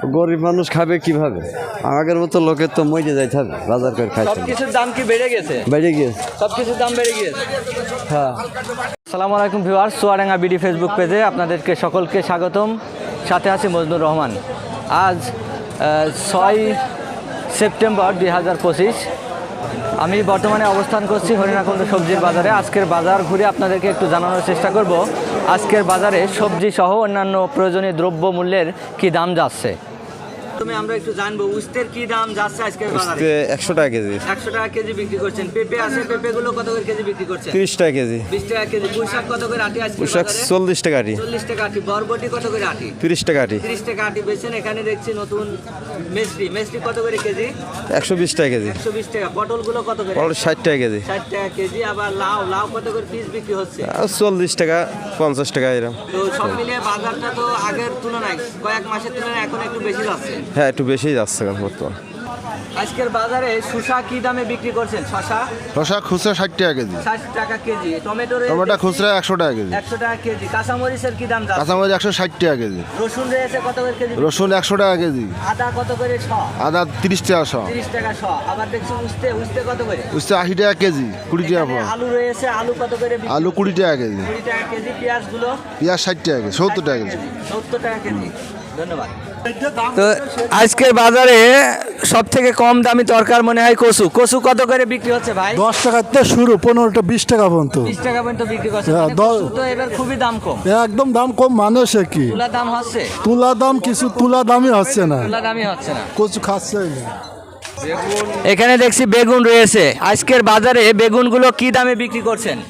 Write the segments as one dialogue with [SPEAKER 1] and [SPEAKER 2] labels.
[SPEAKER 1] গরিব মানুষ খাবে কিভাবে? আগের মতো লোকের তো মরে যাইতে হবে, বাজার করে খাইতে হবে।
[SPEAKER 2] সবকিছুর দাম কি বেড়ে গেছে?
[SPEAKER 1] বেড়ে গিয়েছে।
[SPEAKER 2] সবকিছুর দাম বেড়ে গিয়েছে।
[SPEAKER 1] হ্যাঁ।
[SPEAKER 2] আসসালামু আলাইকুম ভিউয়ার্স, চুয়াডাঙ্গা বিডি ফেসবুক পেজে আপনাদেরকে সকলকে স্বাগতম। সাথে আছি মজনুর রহমান। আজ 6 সেপ্টেম্বর 2025। আমি বর্তমানে অবস্থান করছি হরিণাকুণ্ড সবজির বাজারে। আজকের বাজার ঘুরে আপনাদেরকে একটু জানানোর চেষ্টা করব আজকের বাজারে সবজি সহ অন্যান্য প্রয়োজনীয় দ্রব্য মূল্যের কী দাম যাচ্ছে। তুমি আমরা একটু জানবো উস্তের কি দাম যাচ্ছে আজকের বাজারে?
[SPEAKER 1] 100 টাকা কেজি।
[SPEAKER 2] 100 টাকা কেজি বিক্রি করছেন। পেঁপে আছে, পেঁপেগুলো কত করে কেজি বিক্রি করছেন?
[SPEAKER 1] 30 টাকা কেজি।
[SPEAKER 2] 20 টাকা কেজি। পুঁইশাক কত করে আটি আজকে
[SPEAKER 1] পোশাক
[SPEAKER 2] বাজারে?
[SPEAKER 1] 40 টাকা আটি।
[SPEAKER 2] 40 টাকা আটি। বরবটি কত করে আটি?
[SPEAKER 1] 30 টাকা আটি।
[SPEAKER 2] 30 টাকা আটি বেচছেন। এখানে দেখছি নতুন মেসরি কত করে কেজি?
[SPEAKER 1] 120 টাকা কেজি।
[SPEAKER 2] 120 টাকা। পটলগুলো কত করে?
[SPEAKER 1] পটল 60 টাকা কেজি।
[SPEAKER 2] 60 টাকা কেজি। আবার লাউ কত করে পিস বিক্রি হচ্ছে?
[SPEAKER 1] 40 টাকা 50 টাকা এরকম।
[SPEAKER 2] তো সব মিলিয়ে বাজারটা তো আগের তুলনায় কয়েক মাসের তুলনায় এখন একটু বেশি যাচ্ছে।
[SPEAKER 1] হ্যাঁ, একটু বেশি যাচ্ছে এখন বর্তমান।
[SPEAKER 2] আজকের বাজারে শসা কি দামে বিক্রি করছেন?
[SPEAKER 3] শসা খুচরা 60 টাকা কেজি,
[SPEAKER 2] 60 টাকা কেজি। টমেটো
[SPEAKER 3] খুচরা 100 টাকা কেজি,
[SPEAKER 2] 100 টাকা কেজি। কাঁচামরিচের কি দাম যাচ্ছে?
[SPEAKER 3] কাঁচামরিচ 160 টাকা কেজি,
[SPEAKER 2] রসুন রয়েছে কত করে কেজি?
[SPEAKER 3] রসুন 100 টাকা কেজি,
[SPEAKER 2] আদা কত করে শ?
[SPEAKER 3] আদা 30 টাকা শ,
[SPEAKER 2] 30 টাকা শ। আবার দেখছি উস্তে কত করে?
[SPEAKER 3] উচ্ছে 80 টাকা কেজি, 20 টাকা
[SPEAKER 2] এখানে
[SPEAKER 3] পোয়া।
[SPEAKER 2] আলু রয়েছে, আলু কত করে বিক্রি?
[SPEAKER 3] আলু 20 টাকা কেজি,
[SPEAKER 2] 20 টাকা কেজি। পেঁয়াজগুলো
[SPEAKER 3] পেঁয়াজ 60 টাকা কেজি, 70 টাকা কেজি।
[SPEAKER 2] 70 টাকা কেজি। ধন্যবাদ। তো আজকের বাজারে সব থেকে কম দামি তরকার মনে হয় কচু কত করে বিক্রি হচ্ছে ভাই?
[SPEAKER 4] 10 টাকাতে শুরু, 15টা 20 টাকা পর্যন্ত।
[SPEAKER 2] 20 টাকা পর্যন্ত বিক্রি করছে।
[SPEAKER 4] হ্যাঁ,
[SPEAKER 2] মানে কচু তো এবার খুবই দাম কম।
[SPEAKER 4] একদম দাম কম, মানুষে কি
[SPEAKER 2] তুলা দাম হচ্ছে?
[SPEAKER 4] তুলা দাম কিছু তুলা দামই হচ্ছে না,
[SPEAKER 2] তুলা দামই হচ্ছে না।
[SPEAKER 4] কচু খাচ্ছেই না।
[SPEAKER 2] এখানে দেখছি বেগুন রয়েছে। আজকের বাজারে বেগুনগুলো কি দামে বিক্রি করছেন?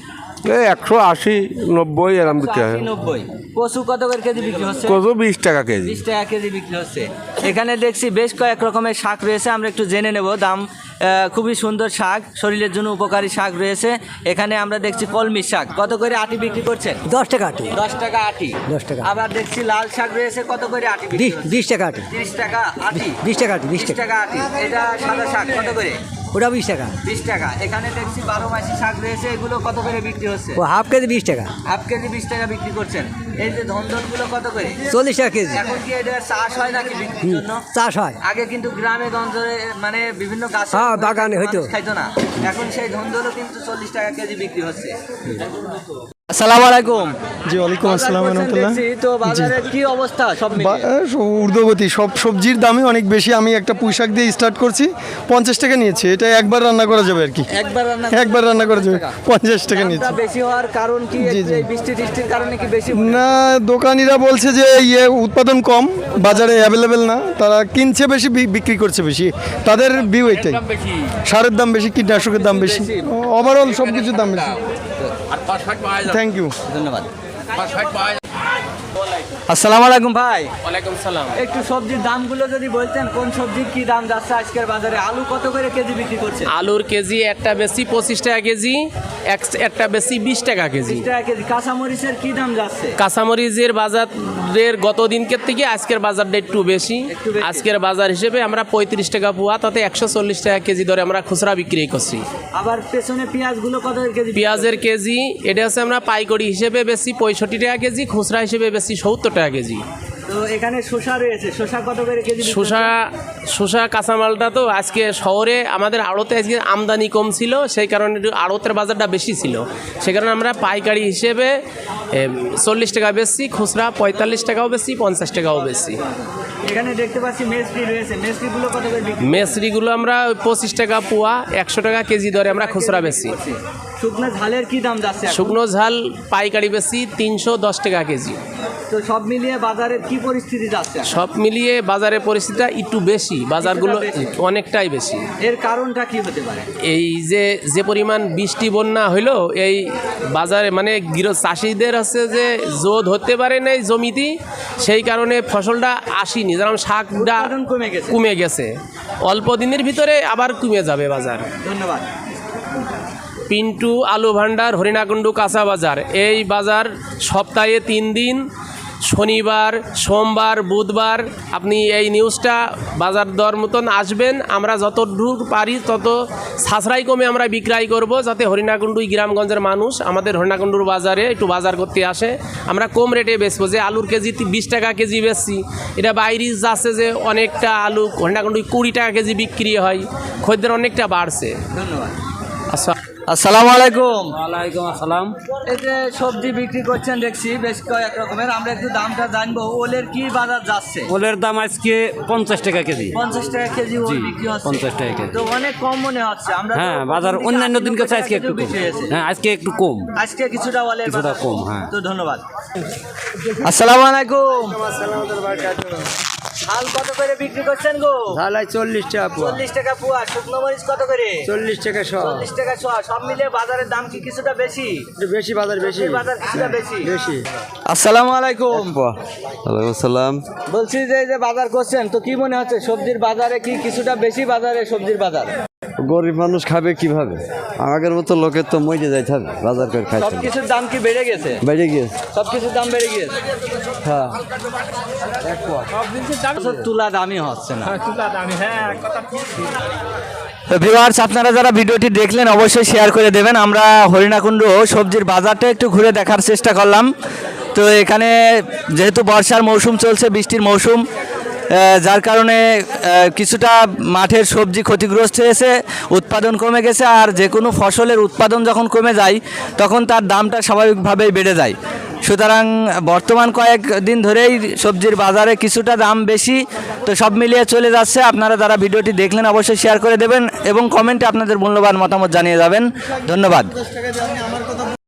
[SPEAKER 5] 180, 90 এরকম বিক্রি হয়।
[SPEAKER 2] 90। কচু কত করে কেজি বিক্রি হচ্ছে?
[SPEAKER 5] কচু 20 টাকা কেজি।
[SPEAKER 2] 20 টাকা কেজি বিক্রি হচ্ছে। এখানে দেখছি বেশ কয়েক রকমের শাক রয়েছে, আমরা একটু জেনে নেব দাম। খুবই সুন্দর শাক, শরীরের জন্য উপকারী শাক রয়েছে। এখানে আমরা দেখছি কলমি শাক কত করে আটি বিক্রি করছেন?
[SPEAKER 6] 10 টাকা আটি।
[SPEAKER 2] 10 টাকা আটি।
[SPEAKER 6] 10 টাকা।
[SPEAKER 2] আবার দেখছি লাল শাক রয়েছে কত করে আটি বিক্রি হচ্ছে?
[SPEAKER 6] 20 টাকা আটি।
[SPEAKER 2] 30 টাকা আটি।
[SPEAKER 6] 20 টাকা আটি, 20
[SPEAKER 2] 20
[SPEAKER 6] টাকা।
[SPEAKER 2] টাকা আটি। এটা সাদা শাক কত করে?
[SPEAKER 6] ওটা 20 টাকা।
[SPEAKER 2] 20 টাকা। এখানে দেখছি 12 মাসি শাক রয়েছে, এগুলো কত করে বিক্রি হচ্ছে?
[SPEAKER 6] ও হাফ কেজি 20 টাকা।
[SPEAKER 2] হাফ কেজি 20 টাকা বিক্রি করছেন। এই যে ধন্দনগুলো কত করে?
[SPEAKER 6] 40 টাকা কেজি।
[SPEAKER 2] এখন কি এটা চাষ হয় নাকি বিক্রির জন্য?
[SPEAKER 6] চাষ হয়।
[SPEAKER 2] আগে কিন্তু গ্রামে গঞ্জে মানে বিভিন্ন গাছ
[SPEAKER 6] হ্যাঁ, বাগানে হইতো।
[SPEAKER 2] খাইতো না। এখন সেই ধন্দনও কিন্তু 40 টাকা কেজি বিক্রি হচ্ছে। আসসালামু আলাইকুম।
[SPEAKER 7] জি, ওয়ালাইকুম আসসালাম রহমতুল্লাহ।
[SPEAKER 2] তো বাজারের কি অবস্থা সব মিলিয়ে?
[SPEAKER 7] ঊর্ধ্বগতি, সব সবজির দামই অনেক বেশি। আমি একটা পুঁইশাক দিয়ে স্টার্ট করছি, 50 টাকা নিয়েছি। এটা একবার রান্না করা যাবে আর কি, একবার রান্না করা যাবে, 50 টাকা নিয়েছি।
[SPEAKER 2] বেশি হওয়ার কারণ কি? এই বৃষ্টি টিষ্টির কারণে কি বেশি?
[SPEAKER 7] না, দোকানিরা বলছে যে উৎপাদন কম, বাজারে অ্যাভেলেবেল না, তারা কিনছে বেশি, বিক্রি করছে বেশি। তাদের ভিউ এটাই। সারের দাম বেশি, কীটনাশকের দাম বেশি, ওভারঅল সব কিছুর দাম বেশি। থ্যাংক ইউ,
[SPEAKER 2] ধন্যবাদ। আসসালামু আলাইকুম ভাই।
[SPEAKER 8] ওয়ালাইকুম সালাম।
[SPEAKER 2] একটু সবজির দামগুলো যদি বলতেন, কোন সবজির কি দাম যাচ্ছে আজকের বাজারে? আলু কত করে কেজি বিক্রি করছে?
[SPEAKER 8] আলুর কেজি একটা বেশি 25 টাকা কেজি, একটা বেশি 20 টাকা কেজি।
[SPEAKER 2] 20 টাকা কেজি। কাঁচামরিচের কি দাম যাচ্ছে?
[SPEAKER 8] কাঁচামরিচের বাজারের গত দিনকের থেকে আজকের বাজারটা একটু বেশি। আজকের বাজার হিসেবে আমরা 35 টাকা পোয়া, তাতে 140 টাকা কেজি ধরে আমরা খুচরা বিক্রি করছি।
[SPEAKER 2] আবার পেছনে পেঁয়াজগুলো কত করে কেজি?
[SPEAKER 8] পেঁয়াজের কেজি এটা হচ্ছে আমরা পাইকারি হিসেবে বেশি 65 টাকা কেজি, খুচরা হিসেবে বেশি 70 টাকা কেজি।
[SPEAKER 2] তো এখানে শসা রয়েছে, শসা কত করে কেজি?
[SPEAKER 8] শসা কাঁচামালটা তো আজকে শহরে আমাদের আড়তে আজকে আমদানি কম ছিল, সেই কারণে একটু আড়তের বাজারটা বেশি ছিল। সে কারণে আমরা পাইকারি হিসেবে 40 টাকা বেশি, খুচরা 45 টাকাও বেশি, 50 টাকাও বেশি।
[SPEAKER 2] এখানে দেখতে পাচ্ছি মেসরি রয়েছে, মেসরিগুলো কত করে বিক্রি?
[SPEAKER 8] মেসরিগুলো আমরা 25 টাকা পোয়া, 100 টাকা কেজি ধরে আমরা খুচরা বেশি।
[SPEAKER 2] শুকনো ঝালের কি দাম যাচ্ছে?
[SPEAKER 8] শুকনো ঝাল পাইকারি বেশি 310 টাকা কেজি।
[SPEAKER 2] তো সব মিলিয়ে বাজারের কি পরিস্থিতি যাচ্ছে?
[SPEAKER 8] সব মিলিয়ে বাজারের পরিস্থিতিটা একটু বেশি, বাজারগুলো অনেকটাই বেশি।
[SPEAKER 2] এর কারণটা কি হতে পারে?
[SPEAKER 8] এই যে পরিমাণ বৃষ্টি বন্যা হইলো, এই বাজারে মানে চাষিদের হচ্ছে যে জোদ হতে পারে না এই জমিতে, সেই কারণে ফসলটা আসেনি। যেমন শাকটা কমে গেছে, অল্প দিনের ভিতরে আবার কমে যাবে বাজার।
[SPEAKER 2] ধন্যবাদ।
[SPEAKER 8] পিন্টু আলু ভান্ডার, হরিণাকুণ্ডু কাঁচা বাজার। এই বাজার সপ্তাহে 3 দিন শনিবার, সোমবার, বুধবার আপনি এই নিউজটা বাজার দর মতন আসবেন। আমরা যত দূর পারি তত সাশ্রয় কমে আমরা বিক্রয় করব, যাতে হরিণাকুণ্ডু গ্রামগঞ্জের মানুষ আমাদের হরিণাকুণ্ডুর বাজারে একটু বাজার করতে আসে। আমরা কম রেটে বেচবো, যে আলুর কেজি 20 টাকা কেজি বেচছি, এটা বাইরে যাচ্ছে যে অনেকটা আলু হরিণাকুণ্ডু 20 টাকা কেজি বিক্রি হয়, খদ্দের অনেকটা বাড়ছে।
[SPEAKER 2] ধন্যবাদ।
[SPEAKER 8] আচ্ছা,
[SPEAKER 2] আসসালামু আলাইকুম।
[SPEAKER 6] ওয়ালাইকুম আসসালাম।
[SPEAKER 2] এই যে সবজি বিক্রি করছেন দেখছি বেশ কয়েক রকমের, আমরা একটু দামটা জানবো। ওলের কি বাজার যাচ্ছে?
[SPEAKER 6] ওলের দাম আজকে 50 টাকা কেজি।
[SPEAKER 2] 50 টাকা কেজি ওল বিক্রি হচ্ছে।
[SPEAKER 6] 50 টাকা কেজি।
[SPEAKER 2] তো অনেক কম মনে হচ্ছে। আমরা তো
[SPEAKER 6] হ্যাঁ, বাজার
[SPEAKER 2] প্রথম দিকে
[SPEAKER 6] অন্যান্য দিন
[SPEAKER 2] 80
[SPEAKER 6] কাছে আজকে
[SPEAKER 2] টাকা
[SPEAKER 6] একটু কম।
[SPEAKER 2] বেশি হয়েছে।
[SPEAKER 6] হ্যাঁ, আজকে একটু কম।
[SPEAKER 2] আজকে কিছুটা ওলের
[SPEAKER 6] কিছুটা
[SPEAKER 2] বাজার
[SPEAKER 6] কম, হ্যাঁ।
[SPEAKER 2] তো ধন্যবাদ। আসসালামু আলাইকুম। শাল কত করে বিক্রি করছেন গো?
[SPEAKER 1] তাহলে 40 টাকা পোয়া
[SPEAKER 2] 40 টাকা পোয়া। শুকনো মরিচ কত করে?
[SPEAKER 1] 40 টাকা
[SPEAKER 2] 40 টাকা শ। সব মিলিয়ে বাজারের দাম কি কিছুটা বেশি?
[SPEAKER 1] বেশি বাজার বেশি
[SPEAKER 2] বাজার কিছুটা বেশি।
[SPEAKER 1] বেশি
[SPEAKER 2] আসসালামু আলাইকুম।
[SPEAKER 1] ওয়ালাইকুম আসসালাম।
[SPEAKER 2] বলছি যে এই যে বাজার করছেন, তো কি মনে হচ্ছে সবজির বাজারে কি কিছুটা বেশি বাজারে সবজির বাজার?
[SPEAKER 1] গরিব মানুষ খাবে কিভাবে? আমাদের মতো লোকের তো মরে যাইতে হবে বাজার করে খাইতে হবে।
[SPEAKER 2] সবকিছুর দাম কি বেড়ে গেছে?
[SPEAKER 1] বেড়ে গিয়েছে।
[SPEAKER 2] সবকিছুর দাম বেড়ে গিয়েছে।
[SPEAKER 1] হ্যাঁ
[SPEAKER 2] তুলা দামই হচ্ছে না। তো ভিউয়ার্স, আপনারা যারা ভিডিওটি দেখলেন অবশ্যই শেয়ার করে দেবেন। আমরা হরিণাকুণ্ড সবজির বাজারটা একটু ঘুরে দেখার চেষ্টা করলাম। তো এখানে যেহেতু বর্ষার মৌসুম চলছে, বৃষ্টির মৌসুম, যার কারণে কিছুটা মাঠের সবজি ক্ষতিগ্রস্ত হয়েছে, উৎপাদন কমে গেছে। আর যে কোনো ফসলের উৎপাদন যখন কমে যায় তখন তার দামটা স্বাভাবিকভাবেই বেড়ে যায়। সুতরাং বর্তমান কয়েকদিন ধরেই সবজির বাজারে কিছুটা দাম বেশি। তো সব মিলিয়ে চলে যাচ্ছে। আপনারা যারা ভিডিওটি দেখলেন অবশ্যই শেয়ার করে দেবেন এবং কমেন্টে আপনাদের মূল্যবান মতামত জানিয়ে যাবেন। ধন্যবাদ।